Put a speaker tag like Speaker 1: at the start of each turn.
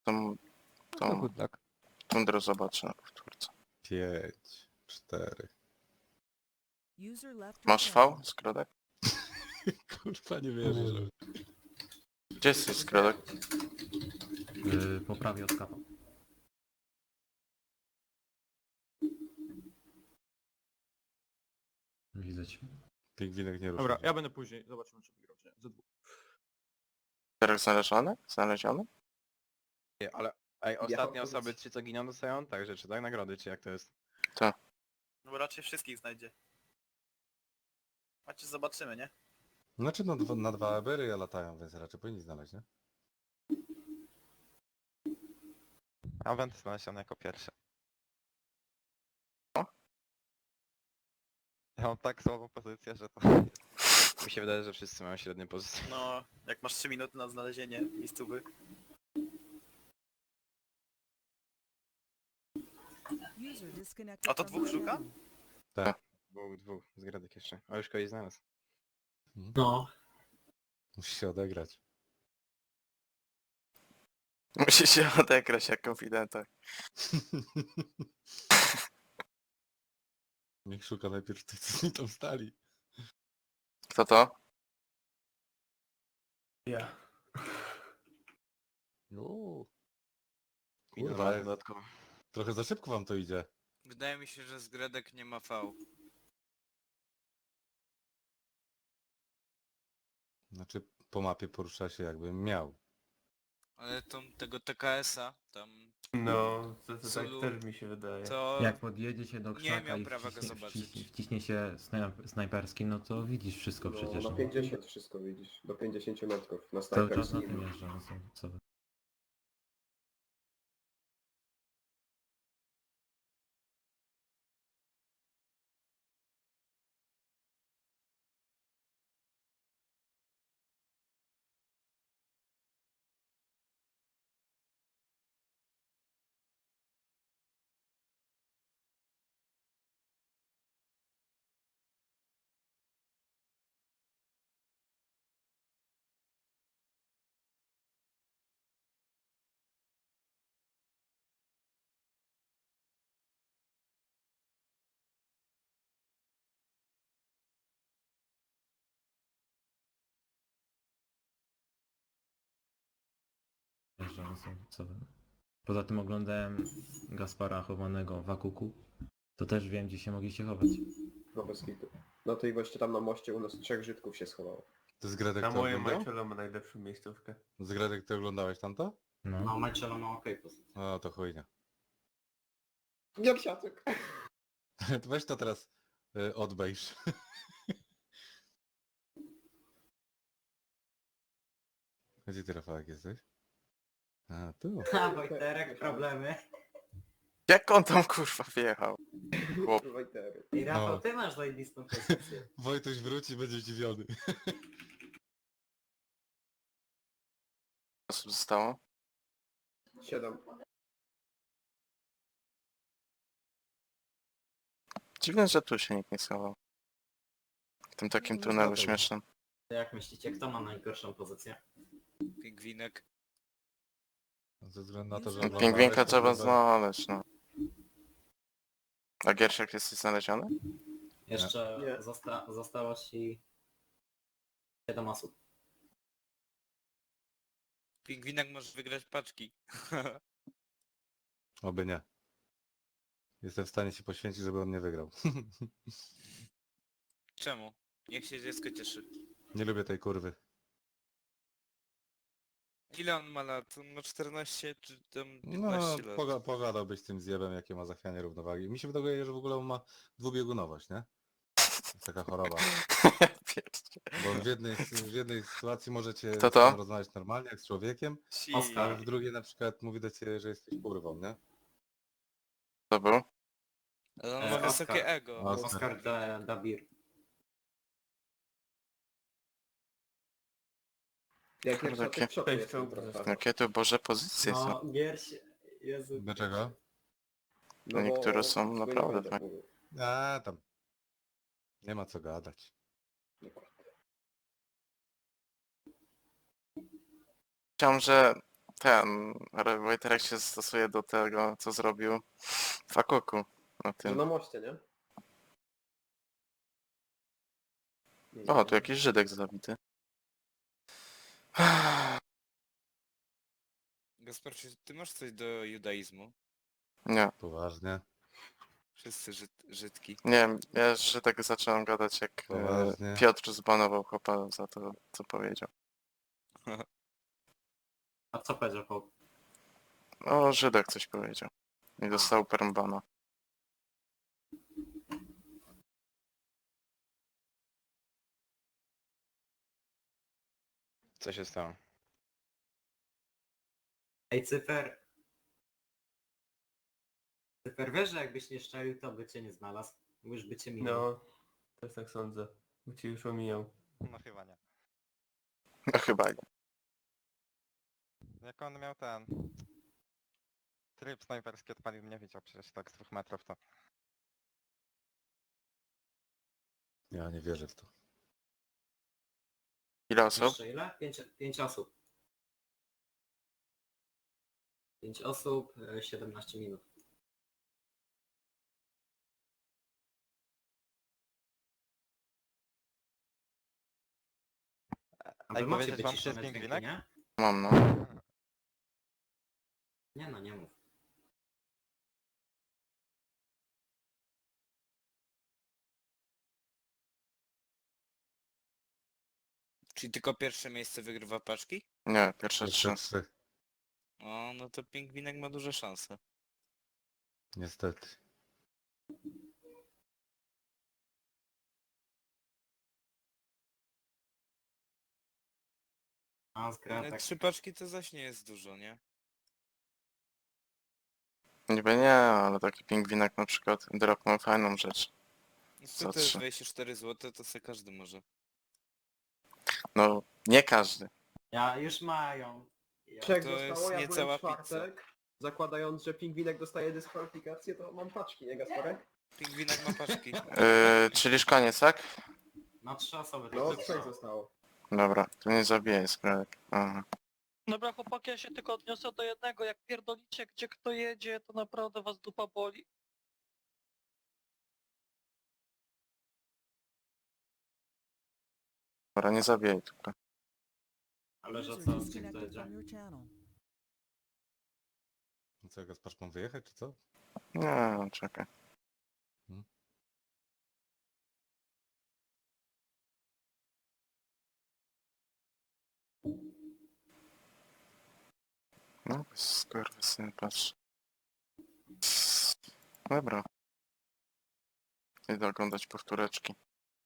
Speaker 1: Tą,
Speaker 2: No
Speaker 1: tą
Speaker 2: good luck.
Speaker 1: tundrę zobaczę na powtórce.
Speaker 3: 5, 4.
Speaker 4: User left your
Speaker 1: Masz V,
Speaker 4: channel.
Speaker 1: Skrodek?
Speaker 3: Kurwa, nie wierzę, że...
Speaker 1: Gdzie jesteś, Skrodek?
Speaker 5: Po prawie od kapa. Widzę cię.
Speaker 3: Pingwinek nie rusza.
Speaker 2: Dobra, ja będę później. Zobaczymy, czy wygrał, czy nie. Ze dwóch.
Speaker 1: Teraz znaleziony? Znaleziony?
Speaker 6: Ale ej, ostatnie
Speaker 7: powiedz.
Speaker 6: osoby 3 co giną dostają także czy tak nagrody, czy jak to jest?
Speaker 7: No bo raczej wszystkich znajdzie. Znaczy zobaczymy, nie?
Speaker 3: Znaczy na dwa ebery latają, więc raczej powinni znaleźć, nie?
Speaker 6: A będę znaleziony jako pierwszy.
Speaker 1: O?
Speaker 6: Ja mam tak słabą pozycję, że to... Mi się wydaje, że wszyscy mają średnie pozycje.
Speaker 7: No, jak masz 3 minuty na znalezienie miejscówy.
Speaker 4: User disconnected
Speaker 7: A to
Speaker 4: from
Speaker 7: dwóch
Speaker 4: your
Speaker 7: szuka?
Speaker 4: channel.
Speaker 3: Tak.
Speaker 6: Dwóch, z gradek jeszcze. A już kogoś znalazł.
Speaker 5: No.
Speaker 3: Musi się odegrać.
Speaker 1: Musi się odegrać jak konfidenta.
Speaker 3: Niech szuka najpierw tych, co mi tam stali.
Speaker 1: Kto to?
Speaker 5: Ja.
Speaker 3: Uuu.
Speaker 6: I
Speaker 3: Kurwa,
Speaker 6: dwa dodatkowo.
Speaker 3: trochę za szybko wam to idzie.
Speaker 8: Wydaje mi się, że Zgredek nie ma V.
Speaker 3: Znaczy po mapie porusza się jakbym miał.
Speaker 8: Ale tego TKS-a tam
Speaker 9: No, to tak
Speaker 8: Zulu,
Speaker 9: też mi się wydaje.
Speaker 8: to
Speaker 5: Jak podjedziecie do
Speaker 8: nie
Speaker 5: krzaka
Speaker 8: miał
Speaker 5: i
Speaker 8: prawa go zobaczyć.
Speaker 5: wciśnie się snajperski, no to widzisz wszystko
Speaker 10: No,
Speaker 5: przecież.
Speaker 10: na
Speaker 5: No.
Speaker 10: 50 wszystko widzisz. Do 50 metrów. Na
Speaker 5: Cały czas na
Speaker 10: snajperskim.
Speaker 5: tym jeżdżę, no co wy. Jeżdżę, no co wy. Poza tym oglądałem Gaspara chowanego w Akuku. To też wiem, gdzie się mogliście chować.
Speaker 10: No bez kitu. No to i właśnie tam na moście u nas 3 Żydków się schowało.
Speaker 3: To z Gredek
Speaker 9: Na
Speaker 3: to
Speaker 9: moje
Speaker 3: oglądał?
Speaker 9: Majczelo ma najlepszą miejscówkę.
Speaker 3: Z Gredek ty oglądałeś tamto?
Speaker 5: No.
Speaker 7: Majczelo ma okej pozycję.
Speaker 3: O, to chujnia.
Speaker 10: Giersiaczek!
Speaker 3: To weź to teraz odbejrz. Gdzie ty, Rafałek, jesteś? A, tu.
Speaker 7: Ha, Wojterek, problemy.
Speaker 1: Jak on tam kurwa wjechał? Chłop.
Speaker 10: Wojtery.
Speaker 7: I
Speaker 3: Rafał,
Speaker 7: Rafał, ty masz zajebistą pozycję.
Speaker 3: Wojtuś wróci, będzie zdziwiony.
Speaker 1: Osób zostało?
Speaker 10: 7.
Speaker 1: Dziwne, że tu się nikt nie schował. W tym takim
Speaker 5: No,
Speaker 1: tunelu
Speaker 5: zgadza.
Speaker 1: śmiesznym.
Speaker 7: Jak myślicie, kto ma najgorszą pozycję?
Speaker 8: Pingwinek.
Speaker 3: Ze względu na to, że
Speaker 4: No,
Speaker 3: oglądałeś,
Speaker 1: Pingwinka
Speaker 3: to
Speaker 1: trzeba
Speaker 3: chyba-
Speaker 1: znaleźć, no. A Giersiak jesteś znaleziony?
Speaker 7: Jeszcze
Speaker 10: Nie.
Speaker 7: zostało ci 7 osób.
Speaker 8: Pingwinek może wygrać paczki.
Speaker 3: Oby nie. Jestem w stanie się poświęcić, żeby on nie wygrał.
Speaker 8: Czemu? Niech się dziecko cieszy.
Speaker 3: Nie lubię tej kurwy.
Speaker 8: Ile on ma lat? On ma 14 czy tam
Speaker 3: No,
Speaker 8: 15 lat?
Speaker 3: pogadałbyś z tym zjebem, jakie ma zachwianie równowagi. Mi się wydaje, że w ogóle on ma dwubiegunowość, nie? To jest taka choroba. Bo on w jednej sytuacji możecie
Speaker 1: Kto to?
Speaker 3: rozmawiać normalnie, jak z człowiekiem, a
Speaker 7: Oskar.
Speaker 3: w drugiej na przykład mówi do ciebie, że jesteś kurwą, nie?
Speaker 1: To był?
Speaker 8: Ale on ma
Speaker 7: Oskar.
Speaker 8: wysokie ego.
Speaker 7: Oskar Dabir.
Speaker 10: Jak
Speaker 1: Kurde,
Speaker 10: Giersiaczek w szoku
Speaker 9: Cześć,
Speaker 10: jestem
Speaker 9: czołg.
Speaker 10: trochę.
Speaker 1: Jakie to boże pozycje są.
Speaker 7: No, Gierś... Jezu.
Speaker 3: Dlaczego?
Speaker 1: No niektóre są
Speaker 10: tego nie
Speaker 1: naprawdę
Speaker 10: będę
Speaker 1: fajne.
Speaker 10: mówił.
Speaker 3: A tam. Nie ma co gadać.
Speaker 10: Dokładnie.
Speaker 1: Chciałem, że ten Wojterek się stosuje do tego, co zrobił w Akuku. Na
Speaker 10: Że
Speaker 1: tym.
Speaker 10: na moście, nie? Nie,
Speaker 1: O,
Speaker 10: nie,
Speaker 1: tu
Speaker 10: nie.
Speaker 1: jakiś Żydek zabity.
Speaker 8: Gaspar, czy ty masz coś do judaizmu?
Speaker 1: Nie,
Speaker 3: Poważnie.
Speaker 8: Wszyscy Żydki.
Speaker 1: nie wiem, ja Żydek zacząłem gadać jak
Speaker 3: Poważnie.
Speaker 1: Piotr zbanował chłopa za to, co powiedział.
Speaker 7: A co powiedział chłop?
Speaker 1: O, Żydek coś powiedział. I dostał permbana.
Speaker 6: Co się stało?
Speaker 7: Ej, Cyfer. Cyfer, wiesz, że jakbyś nie szczelił, to by cię nie znalazł. Już by cię minął.
Speaker 9: No, też tak sądzę. Bo ci już omijał.
Speaker 6: No chyba nie.
Speaker 1: No chyba nie.
Speaker 6: Jak on miał ten... Tryb snajperski odpalił, nie wiedział przecież tak z 2 metrów to...
Speaker 3: Ja nie wierzę w to.
Speaker 1: Ile osób?
Speaker 7: Jeszcze ile? 5 osób. 5 osób, 17 minut. A
Speaker 6: Ej,
Speaker 7: wy macie
Speaker 6: powiedzieć wam, czy jest
Speaker 7: wyciszone dźwięki,
Speaker 6: pingwinek?
Speaker 7: nie?
Speaker 1: Mam no.
Speaker 7: Nie no, nie mów.
Speaker 8: Czyli tylko pierwsze miejsce wygrywa paczki?
Speaker 1: Nie, pierwsze 3.
Speaker 3: Jeszcze 3.
Speaker 8: O, no to pingwinek ma duże szanse.
Speaker 3: Niestety.
Speaker 7: A, zgra
Speaker 8: Ale
Speaker 7: tak.
Speaker 8: 3 paczki to zaś nie jest dużo, nie?
Speaker 1: Niby nie, ale taki pingwinek na przykład dropnął fajną rzecz.
Speaker 8: No
Speaker 1: Za
Speaker 8: to jest
Speaker 1: 3.
Speaker 8: 24 zł, to se każdy może.
Speaker 1: No, nie każdy.
Speaker 7: Ja już mają. Ja...
Speaker 10: Trzech
Speaker 8: To
Speaker 10: zostało,
Speaker 8: jest
Speaker 10: ja byłem
Speaker 8: niecała
Speaker 10: w czwartek. Zakładając, że pingwinek dostaje dyskwalifikację, to mam paczki, nie Gasparek?
Speaker 8: Pingwinek ma paczki.
Speaker 1: Czyli już koniec, tak?
Speaker 7: Na 3 osoby.
Speaker 10: No,
Speaker 7: tylko.
Speaker 10: 3 zostało.
Speaker 1: Dobra, to nie zabijaj sprawek. Aha.
Speaker 11: Dobra chłopaki, ja się tylko odniosę do jednego, jak pierdolicie gdzie kto jedzie, to naprawdę was dupa boli.
Speaker 1: Dobra, nie zabijaj tylko.
Speaker 7: Ale że
Speaker 4: User
Speaker 7: co, gdzie kto
Speaker 4: disconnected
Speaker 7: jedzie?
Speaker 4: from your channel.
Speaker 3: No co, Gaspar, mam wyjechać, czy co?
Speaker 1: Nie, czekaj. No, skurwysyn, patrz. Dobra. Idę oglądać powtóreczki.